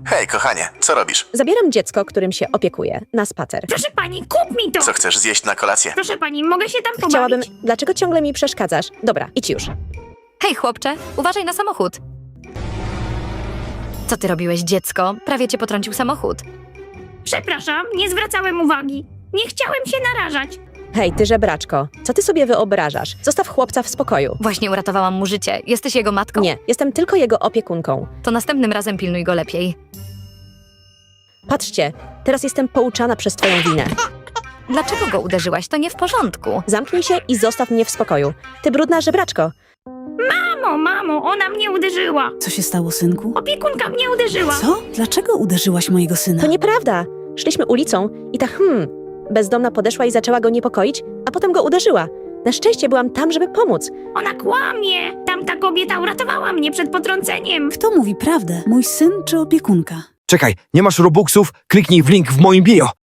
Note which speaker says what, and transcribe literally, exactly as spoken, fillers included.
Speaker 1: Hej, kochanie, co robisz?
Speaker 2: Zabieram dziecko, którym się opiekuję, na spacer.
Speaker 3: Proszę pani, kup mi to!
Speaker 1: Co chcesz zjeść na kolację?
Speaker 3: Proszę pani, mogę się tam pobawić?
Speaker 2: Chciałabym... Dlaczego ciągle mi przeszkadzasz? Dobra, idź już.
Speaker 4: Hej, chłopcze, uważaj na samochód. Co ty robiłeś, dziecko? Prawie cię potrącił samochód.
Speaker 3: Przepraszam, nie zwracałem uwagi. Nie chciałem się narażać.
Speaker 2: Hej, ty żebraczko, co ty sobie wyobrażasz? Zostaw chłopca w spokoju.
Speaker 4: Właśnie uratowałam mu życie. Jesteś jego matką?
Speaker 2: Nie, jestem tylko jego opiekunką.
Speaker 4: To następnym razem pilnuj go lepiej.
Speaker 2: Patrzcie, teraz jestem pouczana przez twoją winę.
Speaker 4: Dlaczego go uderzyłaś? To nie w porządku.
Speaker 2: Zamknij się i zostaw mnie w spokoju. Ty brudna żebraczko.
Speaker 3: Mamo, mamo, ona mnie uderzyła.
Speaker 5: Co się stało, synku?
Speaker 3: Opiekunka mnie uderzyła.
Speaker 5: Co? Dlaczego uderzyłaś mojego syna?
Speaker 2: To nieprawda. Szliśmy ulicą i ta hmm, bezdomna podeszła i zaczęła go niepokoić, a potem go uderzyła. Na szczęście byłam tam, żeby pomóc.
Speaker 3: Ona kłamie. Tamta kobieta uratowała mnie przed potrąceniem.
Speaker 5: Kto mówi prawdę? Mój syn czy opiekunka?
Speaker 6: Czekaj, nie masz Robuxów? Kliknij w link w moim bio.